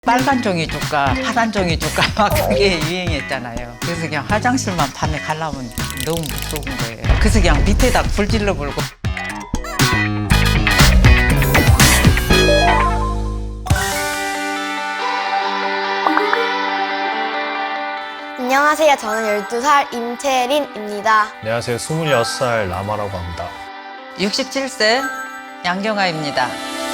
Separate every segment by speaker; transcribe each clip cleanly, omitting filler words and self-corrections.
Speaker 1: 빨간 종이 줄까 파란 종이 줄까 막 그게 유행했잖아요. 그래서 그냥 화장실만 밤에 가려면 너무 무서운 거예요. 그래서 그냥 밑에다 불 질러 불고.
Speaker 2: 안녕하세요. 저는 12살 임채린입니다.
Speaker 3: 안녕하세요. 26살 라마라고 합니다.
Speaker 1: 67세 양정아입니다.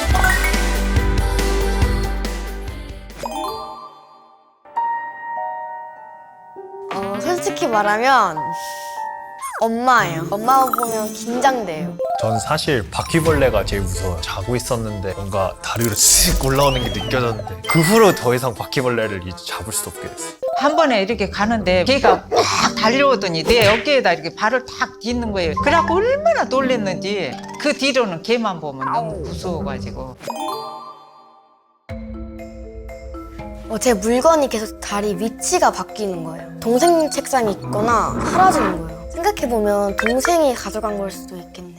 Speaker 2: 솔직히 말하면 엄마예요. 엄마 보면 긴장돼요.
Speaker 3: 전 사실 바퀴벌레가 제일 무서워요. 자고 있었는데 뭔가 다리 위로 쓱 올라오는 게 느껴졌는데 그 후로 더 이상 바퀴벌레를 이제 잡을 수 없게 됐어요.
Speaker 1: 한 번에 이렇게 가는데 걔가 막 달려오더니 내 어깨에다 이렇게 발을 탁 딛는 거예요. 그래갖고 얼마나 놀랬는지. 그 뒤로는 걔만 보면 너무 무서워가지고.
Speaker 2: 제 물건이 계속 다리 위치가 바뀌는 거예요. 동생 책상에 있거나 사라지는 거예요. 생각해보면 동생이 가져간 걸 수도 있겠네.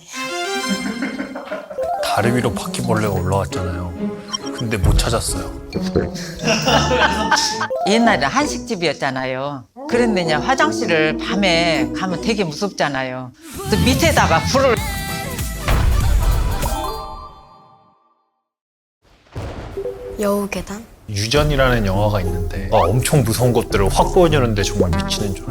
Speaker 3: 다리 위로 바퀴벌레가 올라왔잖아요. 근데 못 찾았어요.
Speaker 1: 옛날에 한식집이었잖아요. 그런데 이제 화장실을 밤에 가면 되게 무섭잖아요. 그래서 밑에다가 불을.
Speaker 2: 여우계단?
Speaker 3: 유전이라는 영화가 있는데 엄청 무서운 것들을 확 보여주는데 정말 미치는 줄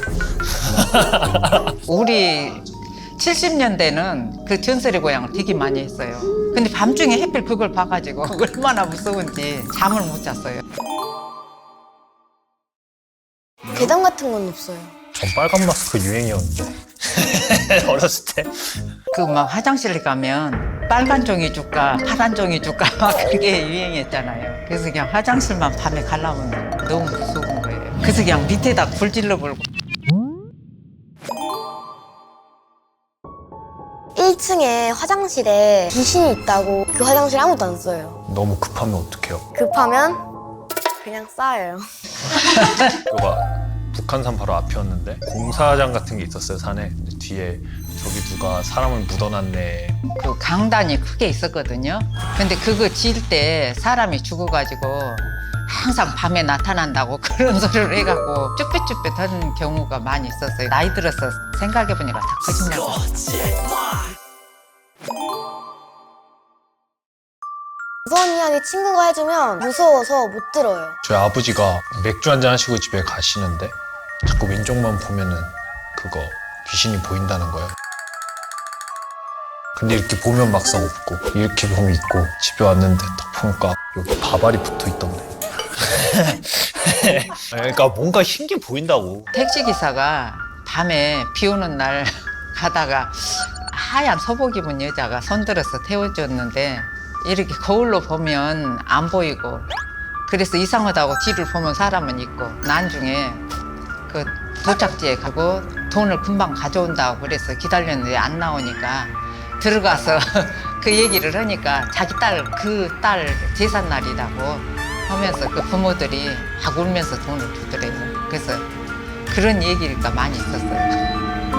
Speaker 3: 알았어요.
Speaker 1: 우리 70년대는 그 전설의 고향을 되게 많이 했어요. 근데 밤중에 햇빛 그걸 봐가지고 얼마나 무서운지 잠을 못 잤어요.
Speaker 2: 계단 같은 건 없어요.
Speaker 3: 전 빨간 마스크 유행이었는데 어렸을 때.
Speaker 1: 그 막 화장실에 가면 빨간 종이 줄까 파란 종이 줄까 막 그게 유행했잖아요. 그래서 그냥 화장실만 밤에 가려면 너무 무서운 거예요. 그래서 그냥 밑에다 불 질러 불고.
Speaker 2: 1층에 화장실에 귀신이 있다고 그 화장실 아무도 안 써요.
Speaker 3: 너무 급하면 어떡해요?
Speaker 2: 급하면 그냥 싸요.
Speaker 3: 그거 북한산 바로 앞이었는데 공사장 같은 게 있었어요, 산에. 근데 뒤에 저기 누가 사람을 묻어놨네.
Speaker 1: 그 강단이 크게 있었거든요. 근데 그거 지을 때 사람이 죽어가지고 항상 밤에 나타난다고 그런 소리를 해갖고 쭈뼛쭈뼛 하는 경우가 많이 있었어요. 나이 들어서 생각해보니까 다 거짓말 같아요.
Speaker 2: 무서운 이야기 친구가 해주면 무서워서 못 들어요.
Speaker 3: 저희 아버지가 맥주 한잔 하시고 집에 가시는데 자꾸 왼쪽만 보면은 그거 귀신이 보인다는 거예요. 근데 이렇게 보면 막상 없고 이렇게 보면 있고 집에 왔는데 딱 보니까 여기 바발이 붙어 있던데. 그러니까 뭔가 흰 게 보인다고.
Speaker 1: 택시기사가 밤에 비 오는 날 가다가 하얀 소복 입은 여자가 손들어서 태워줬는데 이렇게 거울로 보면 안 보이고 그래서 이상하다고 뒤를 보면 사람은 있고 나중에 그 도착지에 가고 돈을 금방 가져온다고 그래서 기다렸는데 안 나오니까 들어가서 그 얘기를 하니까 자기 그 딸 제삿날이라고 하면서 그 부모들이 막 울면서 돈을 주더래요. 그래서 그런 얘기가 많이 있었어요.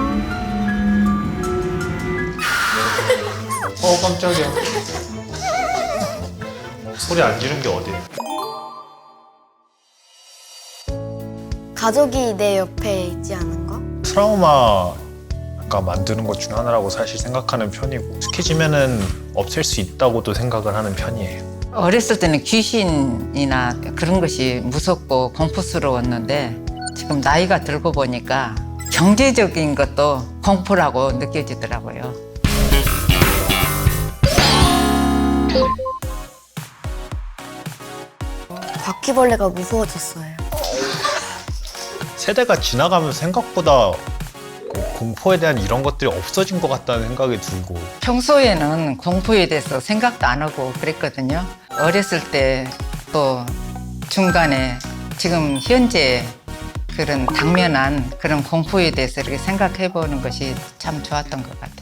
Speaker 3: 깜짝이야. 소리 안 지른 게 어디야?
Speaker 2: 가족이 내 옆에 있지 않은 거?
Speaker 3: 트라우마가 만드는 것 중 하나라고 사실 생각하는 편이고 익숙해지면은 없앨 수 있다고도 생각을 하는 편이에요.
Speaker 1: 어렸을 때는 귀신이나 그런 것이 무섭고 공포스러웠는데 지금 나이가 들고 보니까 경제적인 것도 공포라고 느껴지더라고요.
Speaker 2: 바퀴벌레가 무서워졌어요.
Speaker 3: 세대가 지나가면 생각보다 그 공포에 대한 이런 것들이 없어진 것 같다는 생각이 들고.
Speaker 1: 평소에는 공포에 대해서 생각도 안 하고 그랬거든요. 어렸을 때 또 중간에 지금 현재 그런 당면한 그런 공포에 대해서 이렇게 생각해 보는 것이 참 좋았던 것 같아요.